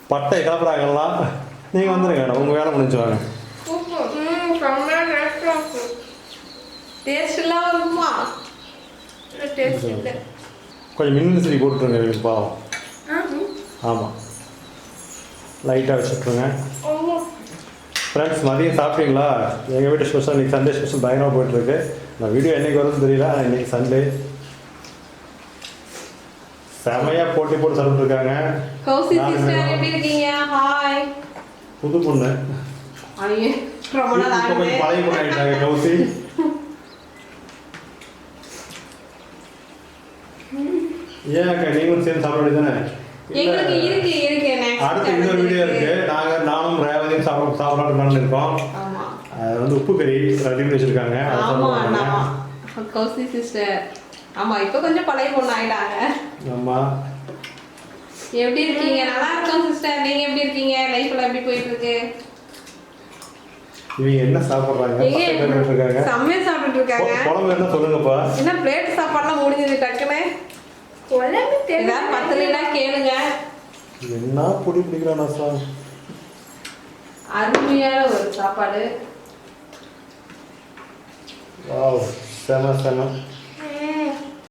பட்டை கிளப்புறாங்கலாம். நீங்கள் வந்துடுங்க, உங்கள் வேலை முடிஞ்சு வாங்க. டேஸ்ட்லாம் வருமா? டேஸ்ட் இல்லை. கொஞ்சம் மின்விசிறி போட்டுருங்க எனக்கு பாவம். ஆமாம், லைட்டாக வச்சுட்ருங்க. ஃப்ரெண்ட்ஸ், மதியம் சாப்பிட்டீங்களா? எங்கள் வீட்டு ஸ்பெஷல் இன்றைக்கி சண்டே ஸ்பெஷல் பயங்கரமாக போயிட்டுருக்கு. நான் வீடியோ என்றைக்கு வரும்னு தெரியல, ஆனால் இன்றைக்கி சண்டே செமையாக போட்டி போட்டு சாப்பிட்டுருக்காங்க. புது பொண்ணு கொஞ்சம் பழைய பொண்ணு ஆகிட்டாங்க கௌசி. ஏன் அக்கா நீங்களும் சேர்ந்து சாப்பிட வேண்டியதானே? அடுத்த இன்னொரு வீடியோ இருக்கு. நானும் ரேவதியும் சாப்பிடலாம்னு இருக்கோம். அது வந்து உப்பு கறி ரெடி வச்சிருக்காங்க. கௌசி சிஸ்டர் ஆமா, இப்போ கொஞ்சம் பழைய பொண்ணு ஆயிட்டாங்க. ஆமா, எப்படி இருக்கீங்க? நல்லா இருக்கோம் சிஸ்டர். நீங்க எப்படி இருக்கீங்க? லைஃப்ல எப்படி போயிட்டு இருக்கு? இவங்க என்ன சாப்பிடுறாங்க? செம்மையா சாப்பிட்டுட்டு இருக்காங்க. குழம்பு என்ன சொல்லுங்கப்பா? என்ன பிளேட் சாப்பாடுலாம் முடிஞ்சது டக்குன்னு. குழம்பு தெரியல, பத்தலைனா கேளுங்க. என்ன பொடி பிடிக்கிறானா சார்? அருமையான ஒரு சாப்பாடு. வாவ், செம செம.